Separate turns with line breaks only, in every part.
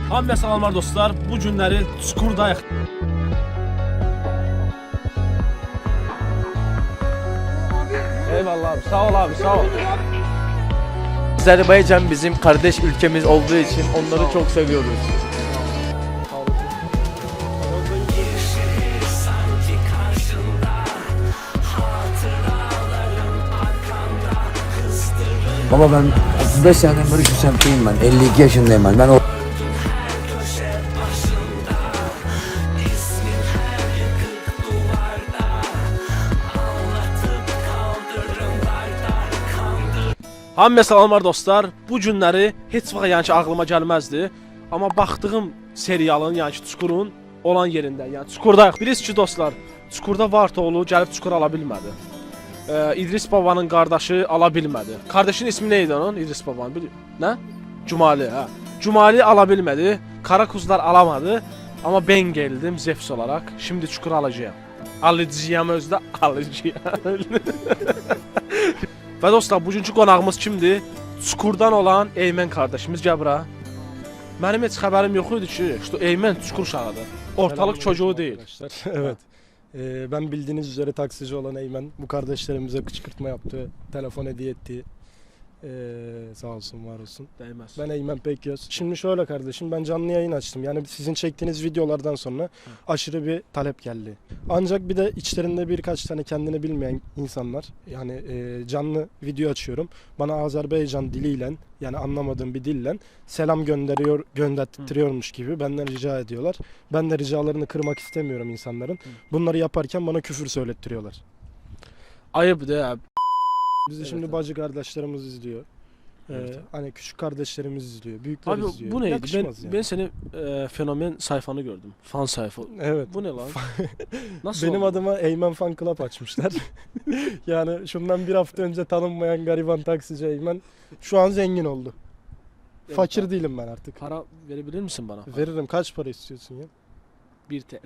Hamıya salamlar dostlar. Bu günləri Çukurdayıq.
Eyvallah abi, sağ ol abi, sağ ol. Azerbaycan bizim kardeş ülkemiz olduğu için onları çok seviyoruz.
Baba ben 35 seneden beri şu semtteyim ben. 52 yaşındayım ben. Ben o...
Hamıya salamlar dostlar. Bu günləri heç vaxt yəni ki ağlıma gəlməzdi. Amma baxdığım serialın, yəni ki Çukurun olan yerində, yəni Çukurdayıq. Bilirsiniz ki dostlar, Çukurda Vartoğlu gəlib Çukur ala bilmədi. İdris babanın qardaşı ala bilmədi. Qardaşının ismi nə idi onun? İdris babanın. Nə? Cumali, hə. Cumali ala bilmədi. Karakuzlar alamadı. Amma ben geldim Zefs olarak. Şimdi Çukur alacağım. Alacağım özdə alacağım. Və dostlar, bugünkü qonağımız kimdir? Çukurdan olan Eymen kardeşimiz. Gəl bura. Mənim heç xəbərim yox idi ki, işte Eymen Çukur uşağıdır. Ortalık çocuğu değil.
Evet. Ben bildiğiniz üzere taksici olan Eymen bu kardeşlerimize kışkırtma yaptı, telefon hediye etti. Sağ olsun, var olsun.
Değmez.
Ben Eymen Pekyöz. Şimdi şöyle kardeşim, ben canlı yayın açtım. Yani sizin çektiğiniz videolardan sonra aşırı bir talep geldi. Ancak bir de içlerinde birkaç tane kendini bilmeyen insanlar, yani canlı video açıyorum. Bana Azerbaycan diliyle, yani anlamadığım bir dille selam gönderttiriyormuş gibi benden rica ediyorlar. Ben de ricalarını kırmak istemiyorum insanların. Bunları yaparken bana küfür söylettiriyorlar.
Ayıp ya.
Bizi şimdi bacı kardeşlerimiz izliyor. Hani küçük kardeşlerimiz izliyor, büyükler
Abi
izliyor.
bu neydi?
Yakışmaz
Ben
yani.
senin fenomen sayfanı gördüm. Fan sayfa.
Evet.
Bu ne lan? Nasıl
Benim
oldu?
adıma Eymen Fan Club açmışlar. Yani şundan bir hafta önce tanınmayan gariban taksici Eymen şu an zengin oldu.
Evet,
Fakir
abi.
değilim ben artık.
Para verebilir misin bana?
Veririm. Kaç para istiyorsun ya?
1 TL.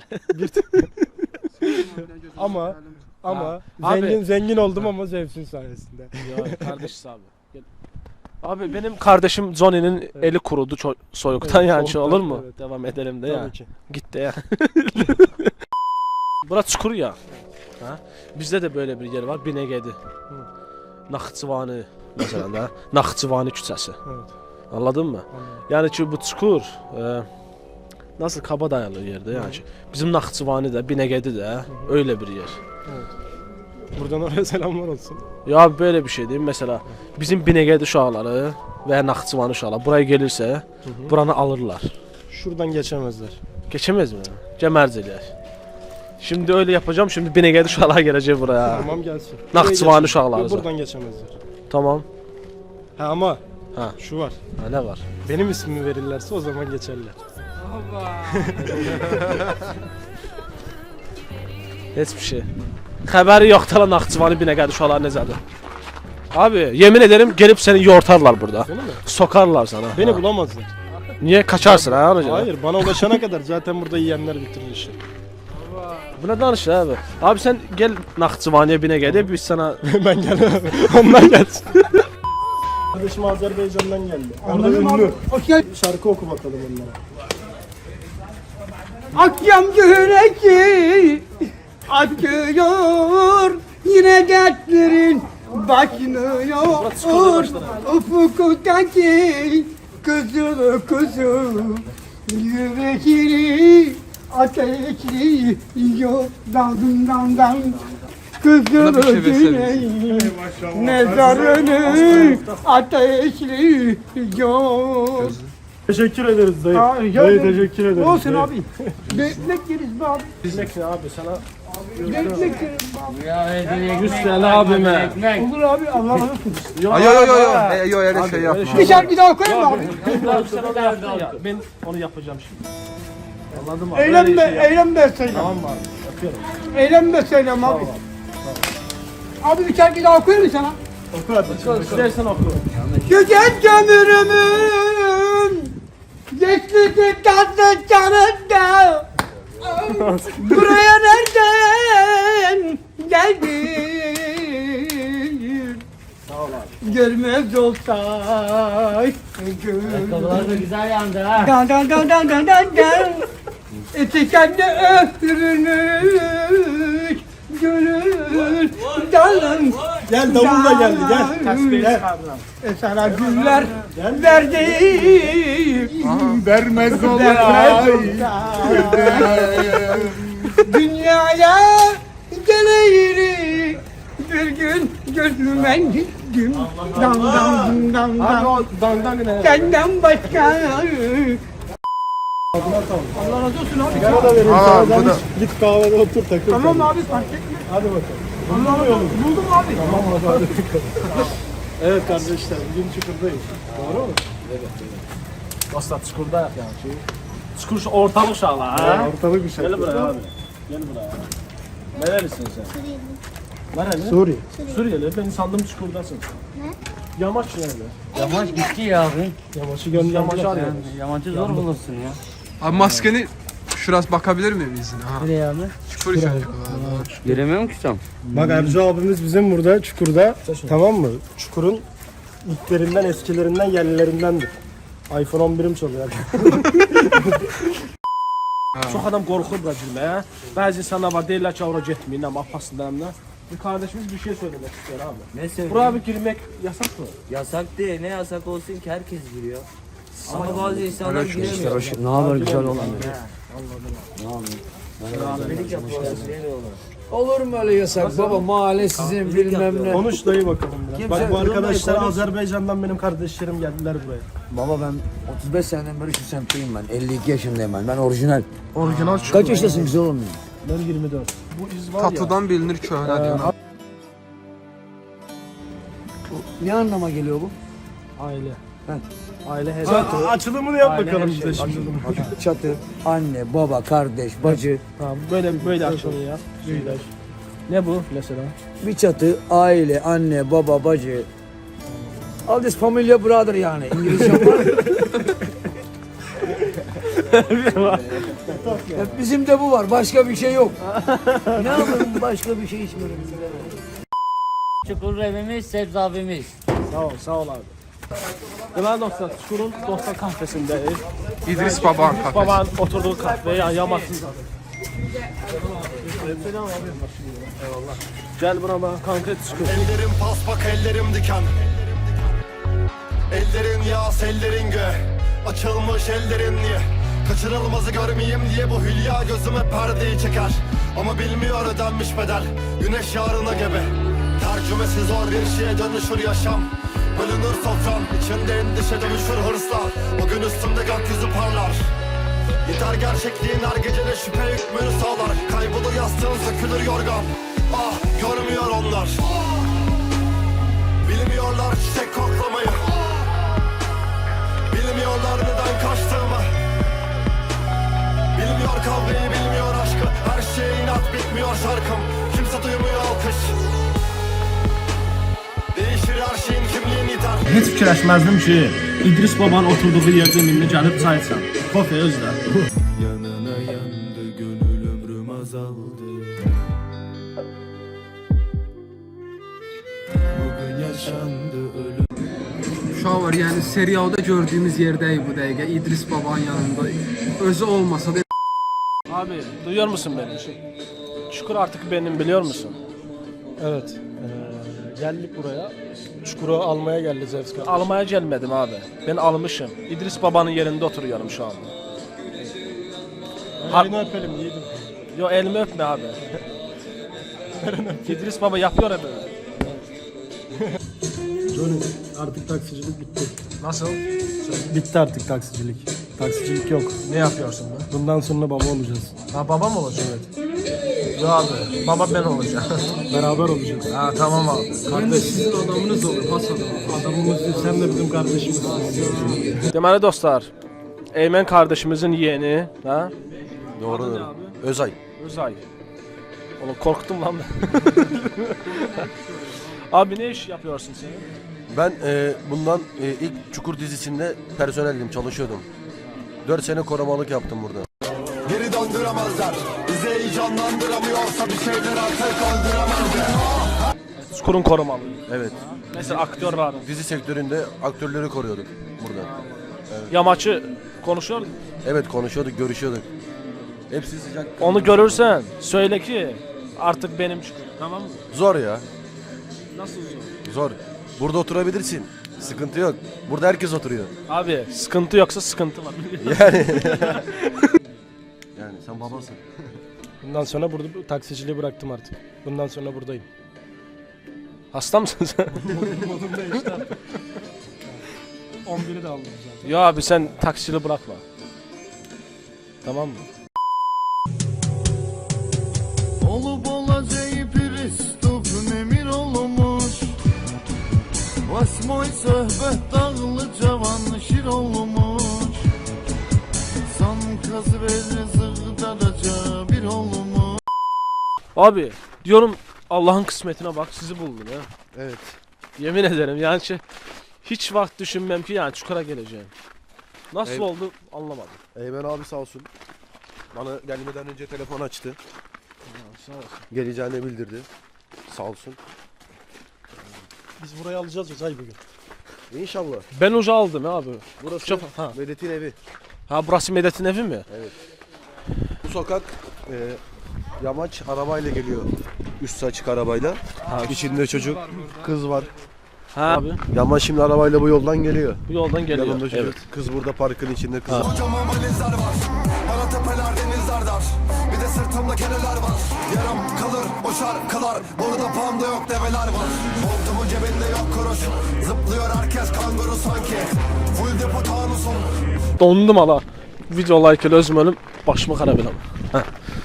Ama
Ha. Abi.
zengin oldum ama Zevs'in sayesinde.
Ya kardeşiz abi. Gel. Abi benim kardeşim Johnny'nin eli kurudu soğuktan,
Evet,
yani
soğuktan,
olur mu?
evet.
Devam edelim de ya.
Tabii ki.
Git de ya. Bura Çukur ya. Ha? Bizde de böyle bir yer var. Binegedi. Naxçıvani mesela da. Naxçıvani küçəsi.
Evet.
Anladın mı?
Anladım.
Yani ki bu Çukur nasıl kaba dayalı yerde yani ki. Bizim Naxçıvani de Binegedi de öyle bir yer.
Evet. Buradan oraya selamlar olsun.
Ya böyle bir şey diyeyim mesela bizim Binegedi uşaqları veya Naxçıvani uşaqları buraya gelirse buranı alırlar.
Şuradan geçemezler.
Geçemez mi? Cəmərc eləyək. Şimdi öyle yapacağım. Şimdi Binegedi uşaqlar gelecek buraya.
Tamam gelsin.
Naxçıvani
Buraya
uşaqları.
geçemez. Buradan geçemezler.
Tamam.
Ha ama
Ha.
şu var.
Ha, ne var?
Benim ismimi verirlerse o zaman geçerler.
Heç bir şey. Xəbəri yoxdur lan Naxçıvani Binegedi uşaqları necədir. Abi yemin ederim gelip seni yortarlar burada.
Seni mi?
Sokarlar sana.
Beni
Ha.
bulamazlar.
Niye kaçarsın ha ona göre?
Hayır, bana ulaşana kadar zaten burada yiyenler bitirir işi.
Bu ne danışır abi? Abi sen gel Naxçıvani'ye Binegedi biz sana...
Ben gelemem. Onlar gelsin. Kardeşim Azerbaycan'dan geldi. Orada ünlü. Şarkı oku bakalım onlara.
Akşam güneşi akıyor, yine dertlerin başlıyor. Ufuktaki kızıl kızıl yüreğini ateşli yiyor dalından kızıl güneşi mezarını ateşliyor.
Teşekkür ederiz dayı.
Ya,
Dayı teşekkür ederiz.
olsun
dayı.
abi. Bekmek yeriz be abi.
Bilmek ne abi sana?
Bekmek yeriz be abi.
100 TL abime.
Olur abi, Allah razı olsun.
Yok
öyle şey yapma.
Bir şarkı daha koyayım mı abi?
Sen onu yaptın ya. Ben onu yapacağım şimdi. Anladın mı?
Eylem
Öyle
be,
şey yap.
eylem be söyle.
Tamam mı abi? Yapıyorum.
Eylem be söylem abi. Abi bir şarkı daha koyayım mı sana?
Oku hadi.
İstersen oku.
Tüket kömürümün geçti tatlı canında. Buraya nereden geldin?
ol abi.
Görmez olsay.
Ayakkabılar da güzel yandı ha.
Dan dan dan dan dan dan dan. Etekende öptürülmüş. Gönül dalın.
Gel davulla geldi gel.
Tesbih
Gel.
çıkardılar.
Sana güller verdim.
Vermez
Vermez olsay. Dünyaya geleyim. Bir gün gözüme gittim. Dan dan dan
Abi
dan.
o dandan ne?
Senden başka. Allah razı olsun abi.
Sigara da vereyim
Aa,
sana.
bu
Sen
da-
git kahvede otur takıl.
Tamam abi fark etme.
Hadi bakalım.
Buldum abi.
Tamam hadi. Evet kardeşler bugün Çukur'dayız. Doğru mu?
Dostlar çukurdayıq yani. Çukur şu ortalık uşaqlar ha.
Ortalık bir şey.
Gel buraya abi. Gel buraya. Nerelisin sen? Nereli?
Suriye.
Suriyeli. Ben sandım çukurdasın. Ne? Yamaç nerede?
Yamaç gitti ya abi.
Yamaç'ı gönderdiler.
Yamaç arıyor.
Yamaçı zor bulursun ya.
Abi maskeni şurası bakabilir miyim izine? Ha.
Nereye abi?
Çukur işaret.
Göremiyorum ki tam.
Bak Ercu abimiz bizim burada Çukur'da, tamam mı? Çukur'un ilklerinden, eskilerinden, yerlilerindendir. iPhone 11'im çalıyor.
Çox adam qorxur bura girməyə. Bəzi insanlar var deyirlər ki, ora getməyin, amma apasından da. Bir kardeşimiz bir şey söylemek istiyor abi.
Ne söyleyeyim?
Buraya bir girmek yasak mı?
Yasak değil. Ne yasak olsun ki herkes giriyor. Ama bazı insanlar
İşte
giremiyor.
hoş, ne haber güzel olan.
Abilik yapıyorlar, veriyorlar.
Olur mu öyle yasak baba mahalle sizin bilmem ne.
Konuş dayı bakalım biraz.
Kimse-
Bak bu arkadaşlar
Konuş.
Azerbaycan'dan benim kardeşlerim geldiler buraya.
Baba ben 35 seneden beri şu semtteyim ben. 52 yaşındayım ben. Ben orijinal.
Orijinal Çukur.
Kaç yaşındasın güzel oğlum?
Ben 24. Bu iz var ya.
Tatudan bilinir köhne diyor.
Ne anlama geliyor bu?
Aile.
Heh.
Aile hesabı.
Açılımını yap
Aile
bakalım
her
bize
şey.
şimdi.
Çatı, anne, baba, kardeş, bacı.
Tamam böyle açılıyor ya. Ne bu mesela?
Bir çatı, aile, anne, baba, bacı. All this familia brother yani. İngilizce var. Bizim de bu var. Başka bir şey yok. Ne yapalım başka bir şey içmiyorum.
Çukur evimiz, sebze abimiz.
Sağ ol abi. Deməli dostlar, Çukurun dostlar kafesindeyiz.
İdris Baban kafesi.
Babanın oturduğu kahve yani yamasın. Eyvallah. Gel burama konkret Çukur.
Ellerim paspak, ellerim diken. Ellerin yağ, ellerin gö. Açılmış ellerin niye? Kaçırılmazı görmeyeyim diye bu hülya gözüme perdeyi çeker. Ama bilmiyor ödenmiş bedel. Güneş yarına gebe. Tercümesi zor bir şeye dönüşür yaşam. Bölünür sofram, içinde endişe dönüşür hırsla. O gün üstümde gökyüzü parlar. Yeter gerçekliğin her gecede şüphe hükmünü sağlar. Kaybolur yastığın, sökülür yorgan. Ah, görmüyor onlar. Bilmiyorlar çiçek koklamayı. Bilmiyorlar neden kaçtığımı. Bilmiyor kavgayı, bilmiyor aşkı. Her şey inat, bitmiyor şarkım. Kimse duymuyor alkış. Değişir her şeyin kimliğin yeter.
Heç fikirləşməzdim ki, İdris babanın oturduğu yerdə minni gəlib çay içəm. Kofe özdə.
Yanına yandı gönül ömrüm azaldı. Bugün yaşandı ölüm.
Uşaq var yani serialda gördüğümüz yerdəyik bu dəqiqə. İdris Babanın yanında. Özü olmasa da
Abi duyuyor musun beni? Çukur artık benim biliyor musun?
Evet. Geldik buraya. Çukur'u almaya geldi Zevs kardeş.
Almaya gelmedim abi. Ben almışım. İdris babanın yerinde oturuyorum şu anda.
Elini öpelim yiğidim.
Yo elimi öpme abi. İdris baba yapıyor abi.
Johnny artık taksicilik bitti.
Nasıl?
Bitti artık taksicilik. Taksicilik yok.
Ne yapıyorsun be?
Bundan sonra baba olacağız.
Ha baba mı olacak? Evet. Yo abi baba ben olacağım.
Beraber olacağız.
Ha tamam abi.
Ben de sizin adamınız olur. Has adam. Adamımız sen de bizim kardeşimizsin.
Deməli dostlar, Eymen kardeşimizin yeğeni, ha?
Doğrudur. Özay.
Özay. Oğlum korktum lan ben. Abi ne iş yapıyorsun sen?
Ben bundan ilk Çukur dizisinde personeldim, çalışıyordum. 4 sene korumalık yaptım burada. Geri döndüremezler. Bizi heyecanlandıramıyorsa bir şeyler artık öldüremezler.
Çukurun korumalı.
Evet.
Mesela aktörler.
Dizi sektöründe aktörleri koruyorduk burada.
Yamaçı konuşuyor.
Evet konuşuyorduk, görüşüyorduk. Hepsi sıcak.
Onu görürsen söyle ki artık benim Çukur. Tamam mı?
Zor ya.
Nasıl zor?
Zor. Burada oturabilirsin. Sıkıntı yok. Burada herkes oturuyor.
Abi sıkıntı yoksa sıkıntı var.
Yani sen babasın.
Bundan sonra burada taksiciliği bıraktım artık. Bundan sonra buradayım.
Hasta mısın sen?
Modum değişti artık. 11'i de aldım zaten.
Ya abi sen taksiciliği bırakma. Tamam mı?
Olup olacağı Pristup nemir olmuş Vasmoy söhbet dağlı cavan şir olmuş San kaz verir zığdaraca bir olmuş
Abi diyorum Allah'ın kısmetine bak sizi buldum ya.
Evet.
Yemin ederim yani hiç vakit düşünmem ki yani Çukur'a geleceğim. Nasıl
Evet.
oldu anlamadım.
Eymen abi sağ olsun. Bana gelmeden önce telefon açtı.
Sağ olsun.
Geleceğini bildirdi. Sağ olsun.
Biz burayı alacağız Uzay bugün.
İnşallah.
Ben uca aldım ya abi.
Burası
Çok, ha.
Medet'in evi.
Ha burası Medet'in evi mi?
Bu sokak yamaç arabayla geliyor. Üstü açık arabayla. İçinde çocuk, kız var.
Ha abi
Yamaç şimdi arabayla bu yoldan geliyor.
bu yoldan geliyor.
Yanında çocuk.
Evet.
Kız burada parkın içinde kız.
Ha.
Kocaman valizler var. Bana tepeler denizler dar. Bir de sırtımda keneler var. Yarım kalır o şarkılar. Burada panda yok develer var. Montumun cebinde yok kuruş. Zıplıyor herkes kanguru sanki. Full depo tanusun.
Dondum hala. Video like ile özüm ölüm başımı xarab eləmə. Hə.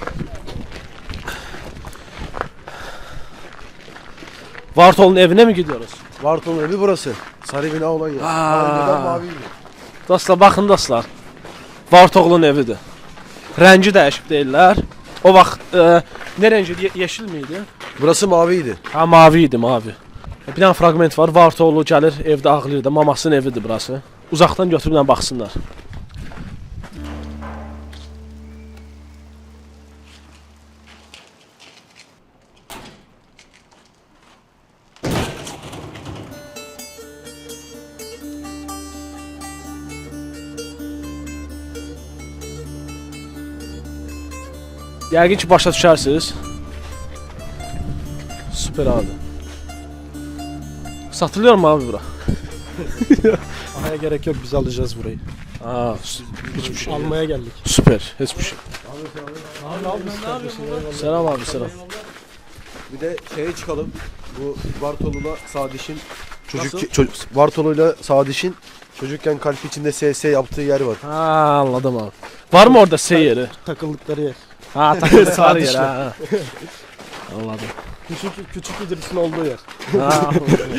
Vartol'un evine mi gidiyoruz?
Vartol'un evi burası. Sarı bina olan yer.
Aa.
Önceden maviydi.
Dostlar baxın dostlar. Vartol'un evidir. Rəngi dəyişib deyirlər. O vaxt ne rengi yeşil miydi?
Burası maviydi.
Ha mavi idi mavi. Bir dənə fragment var. Vartolu gəlir evdə ağlayır da mamasının evidir burası. Uzaqdan götürüblə baxsınlar. Yəqin ki başa düşərsiniz. Süper abi. Satılıyor mu abi bura?
Ahaya gerek yok biz alacağız burayı.
Aa, hiçbir şey.
Almaya geldik.
Süper, hiçbir şey.
Abi
Selam abi selam.
Bir de şeye çıkalım. Bu Vartolu'la Sadiş'in
Nasıl?
Vartolu'yla Sadiş'in çocukken kalp içinde SS yaptığı yer var.
Ha anladım abi. Var mı orada seyiri?
takıldıkları yer.
Ha takıldılar yer ha. Anladım.
Küçük İdris'in olduğu yer.
Ha.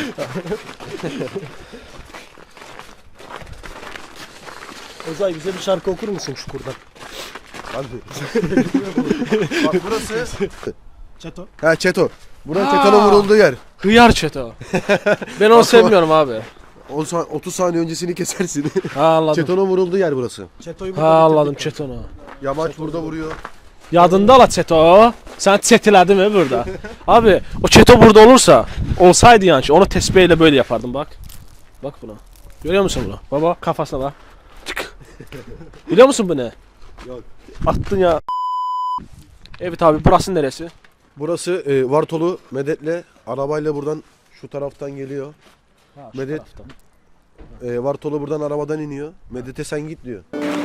Özay bize bir şarkı okur musun Çukur'dan?
Hadi. Bak burası.
Çeto.
Ha Çeto. Buranın Çeto'nun vurulduğu yer.
Hıyar çeto. Ben onu sevmiyorum abi.
30 saniye öncesini kesersin.
Ha anladım.
Çeto'nun vurulduğu yer burası.
Çeto'yu
Ha anladım çetonu.
Yamaç burada vuruyor.
Yadında la çeto. Sen çetiledin mi burada? Abi o çeto burada olsaydı yani onu tesbihle böyle yapardım bak. Bak buna. Görüyor musun bunu? Baba kafasına bak. Tık. Biliyor musun bu ne?
Yok.
Attın ya. Evet abi burası neresi?
Burası Vartolu Medet'le arabayla buradan şu taraftan geliyor.
Ha, şu
Medet.
taraftan.
Vartolu buradan arabadan iniyor. Medet'e sen git diyor.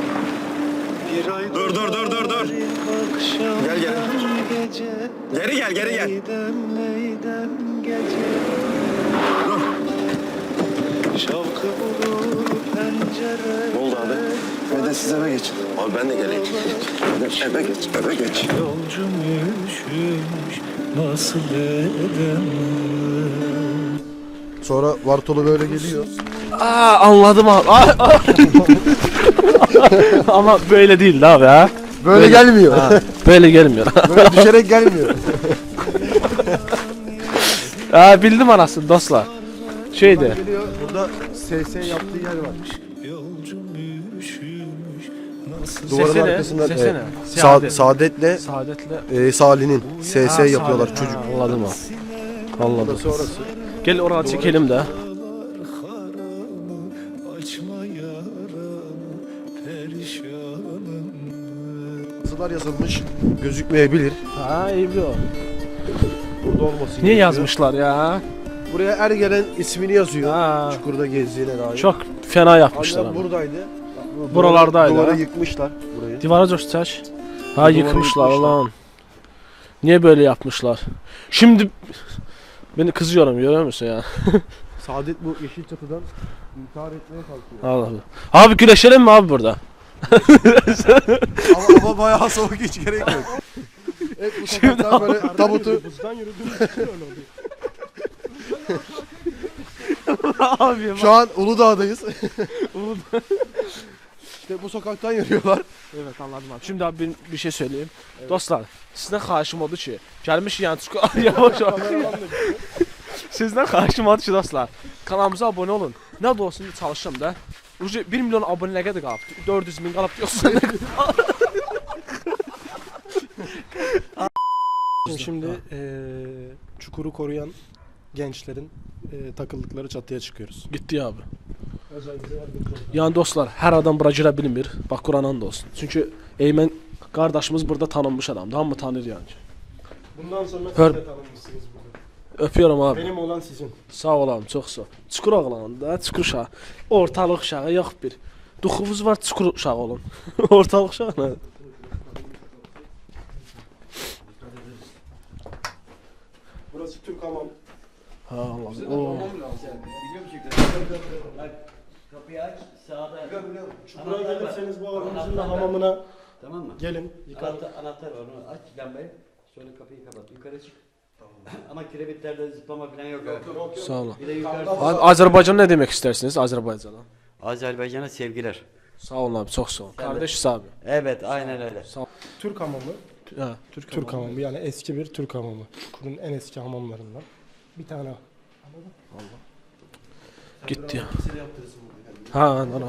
Dur. Gel. Geri gel. Ne oldu abi? Medet siz eve geçin. Abi ben de geleyim. Eve geç.
Sonra Vartolu böyle geliyor.
Aa anladım abi. Ama böyle değildi abi ha.
Böyle gelmiyor.
Ha, böyle gelmiyor.
Böyle düşerek gelmiyor.
Ha bildim anasını dostlar. Şeydi.
Geliyor. Burada SS yaptığı yer var. Duvarın
Sesene,
arkasında
sesene.
Saadet'le
Saadetle.
Salih'in SS
Ha,
yapıyorlar
Saadet.
çocuk.
Ha, anladım abi. Anladım.
Burası orası.
Gel oraya çekelim de.
Yazılar yazılmış. Gözükmeyebilir.
Ha iyi o.
Burada olması
Niye
gerekiyor.
yazmışlar ya?
Buraya her gelen ismini yazıyor.
Ha.
Çukurda gezdiğine dair.
Çok fena yapmışlar
Annem
ama.
buradaydı.
Buralardaydı,
Duvarı
ha?
yıkmışlar burayı.
Divara coştaş. Ha
Duvarı
yıkmışlar
yıkmışlar.
lan. Niye böyle yapmışlar? Şimdi beni kızıyorum görüyor musun ya?
Saadet bu yeşil çatıdan intihar etmeye kalkıyor.
Allah Allah. Abi güleşelim mi abi burada?
ama bayağı soğuk, hiç gerek yok. Evet, bu sokaktan böyle tabutu
Buzdan yürüdüğümüz için öyle oluyor.
Abi
şu an Uludağ'dayız. İşte bu sokaktan yürüyorlar.
Evet anladım abi. Şimdi abi ben bir şey söyleyeyim. Dostlar sizden xahişim odur ki gelmiş yani yavaş yavaş. Sizden xahişim odur ki dostlar. Kanalımıza abone olun. Ne de olsun çalışacağım da. Ucu 1 milyon abone ne kadar qalıb? 400 bin qalıb yoxsa nə qədər?
Şimdi çukuru koruyan gençlerin takıldıkları çatıya çıkıyoruz.
Gitti abi.
Özellikle yardımcı olun.
Yani dostlar hər adam bura girə bilmir. Bax Quranan da olsun. Çünki Eymen qardaşımız burada tanınmış adamdır. Hamı tanır yani.
Bundan sonra siz
Hör-
de tanınmışsınız burada.
Öpüyorum abi.
Benim olan sizin.
Sağ olam, çox sağ ol. Çukur oğlanında, çukur uşağı. Ortalıq uşağı yox bir. Duxuvuz var, çukur uşağı olun. Ortalıq uşağı nə?
Burası Türk hamam.
Ha Allah. Oo.
Kapıyı aç sağda.
Çukura gelirseniz bu abimizin de hamamına
Tamam mı?
gelin. Yıkar.
Anahtar var onu aç lambayı. Sonra kapıyı kapat. Yukarı çık. Ama kirebitlerde zıplama falan yok. Yok.
Sağ olun.
Bir de yukarı.
Abi Azərbaycan nə demək istərsiniz Azərbaycana?
Azerbaycan'a sevgiler.
Sağ olun abi, çox sağ olun. Kardeşiz abi.
Evet aynen öyle.
Türk hamamı.
Ha,
Türk hamamı yani eski bir Türk hamamı. Çukurun en eski hamamlarından. Bir tane.
Gitti ya. Ha, ana.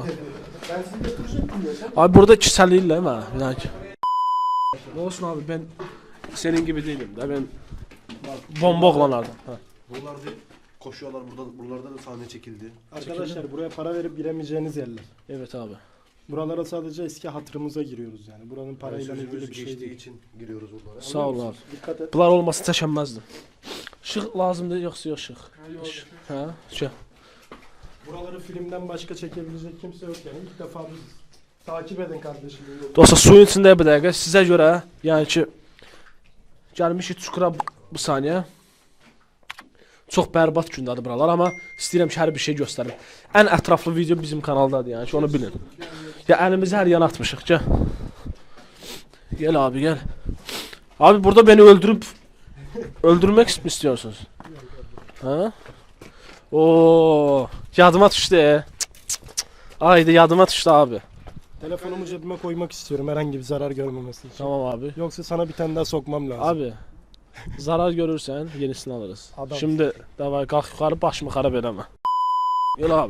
Abi burada kişisəliyirlər mi? Yani. Ne olsun abi ben senin gibi değilim de ben bomba oğlanlardan. Ha.
Buralarda koşuyorlar, buralarda da sahne çekildi.
Arkadaşlar buraya para verip giremeyeceğiniz yerler.
Evet abi.
Buralara sadece eski hatırımıza giriyoruz yani. Buranın parayla
Sözümüz
ilgili bir şey
geçtiği
değil.
için giriyoruz buralara.
Sağ ol abi.
Dikkat et.
Bunlar olmasa çəkənməzdim. Işıq lazımdır yoxsa yox ışıq? Ha, şu.
Buraları filmden başka çekebilecek kimse yok yani. İlk defa biz takip edin kardeşim.
Dostlar suyun içində bir dəqiqə sizə görə, yəni ki gəlmişik çukura bu saniyə. Çox bərbad gündədir buralar, amma istəyirəm ki hər bir şey göstərim. Ən ətraflı video bizim kanaldadır, yəni ki onu bilin. Ya əlimizi hər yana atmışıq, gəl. Gel abi gel. Abi burada beni öldürmek mi istiyorsunuz? Ha? Oo, yadıma düştü. Haydi yadıma düştü abi.
Telefonumu cebime koymak istiyorum herhangi bir zarar görmemesi için.
Tamam abi.
Yoksa sana bir tane daha sokmam lazım.
Abi zarar görürsen yenisini alırız.
Adam.
Şimdi davay kalk yukarı başımı xarab eləmə. Gel abi.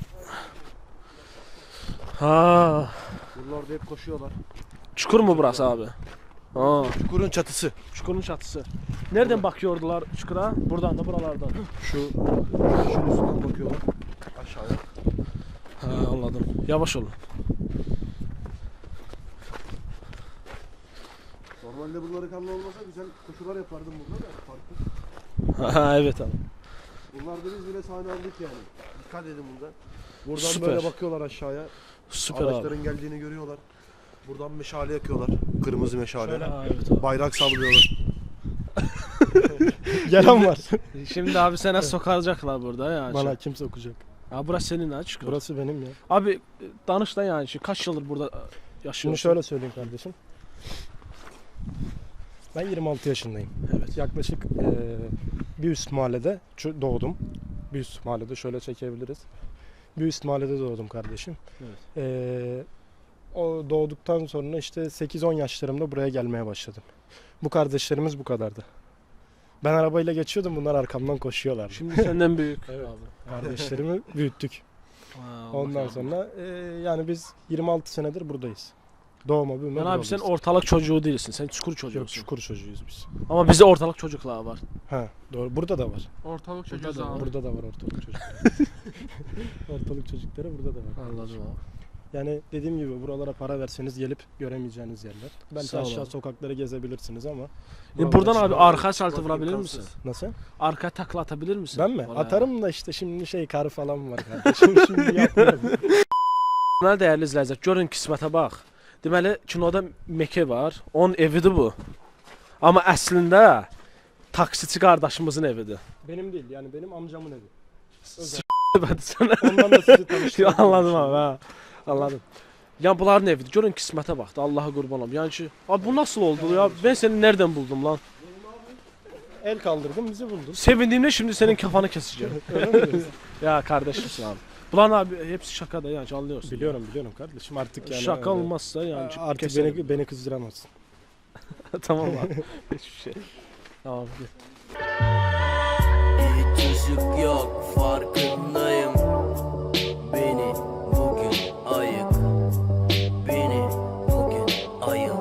Ha,
Buralarda hep koşuyorlar.
çukur mu burası abi? Ha,
Çukurun çatısı.
çukurun çatısı. Nereden bakıyordular çukura? Buradan da buralardan.
Şunun üstünden bakıyorlar. Aşağıya.
Ha, anladım. Yavaş olun.
Normalde bunları kanlı olmasa güzel koşular yapardım burada da farklı.
Ha, evet abi.
Bunlarda biz bile sahne aldık yani. Dikkat edin burada. Buradan
Süper.
böyle bakıyorlar aşağıya.
Süper abi.
Araçların geldiğini görüyorlar. Buradan meşale yakıyorlar. Kırmızı meşale.
Ha, evet abi.
Bayrak sallıyorlar.
Gelen var.
Şimdi abi sana sokaracaklar burada yani.
Bana kim sokacak?
Ha, burası senin ha çukur.
Burası benim ya.
Abi danış da yani kaç yıldır burada yaşıyorsun?
Şimdi şöyle söyleyeyim kardeşim. Ben 26 yaşındayım.
Evet.
Yaklaşık bir üst mahallede doğdum. Bir üst mahallede şöyle çekebiliriz. Bir üst mahallede doğdum kardeşim.
Evet.
O doğduktan sonra işte 8-10 yaşlarımda buraya gelmeye başladım. Bu kardeşlerimiz bu kadardı. Ben arabayla geçiyordum, bunlar arkamdan koşuyorlardı.
Şimdi senden büyük.
Evet.
Abi.
Kardeşlerimi büyüttük.
Ha, Allah
Ondan
Allah.
sonra yani biz 26 senedir buradayız. Doğma büyüme
Yani abi sen
buralıyız.
ortalık çocuğu değilsin. Sen çukur
Yok,
çocuğusun.
çukur çocuğuyuz biz.
Ama bizde ortalık çocuklar var.
Ha doğru. Burada da var.
Ortalık çocuğu
Burada da
zamanı.
Burada da var ortalık çocukları. Ortalık çocukları burada da var.
Anladım abi.
Yani dediğim gibi buralara para verseniz gelip göremeyeceğiniz yerler. Belki
Sağ ol
aşağı
abi.
sokakları gezebilirsiniz ama.
Buradan
buralar
abi
için-
arka saltı vurabilir misin?
Nasıl?
Arka takla atabilir misin?
Ben mi?
Oraya.
Atarım da işte şimdi kar falan var kardeşim. Şimdi yapmıyorum.
Deməli dəyərli izləyicilər, görün qismətə bax. Deməli kinoda Meke var. Onun evidir bu. Amma əslində taksiçi qardaşımızın evidir.
Benim değil yani benim amcamın evi. Özel.
Ben sənə
Ondan da sizi tanıştırdım.
anladım abi. Ha. Anladım. Yəni bunların evidir. Görün qismətə bax da Allaha qurban olum. Yəni ki, abi bu nasıl oldu ya? Ben seni nereden buldum lan?
El kaldırdım bizi buldun.
Sevindiğimde şimdi senin kafanı keseceğim.
Öyle mi diyorsun?
Ya kardeşimsin abi. Bunların abi hepsi şaka da yani anlıyorsun.
Biliyorum kardeşim artık yani.
Şaka
öyle.
olmazsa yani
Artık
keserim.
beni kızdıramazsın.
Tamam abi. Hiçbir şey. Tamam.
Hiç ışık yok farkındayım. Beni bugün ayık. Beni bugün ayık.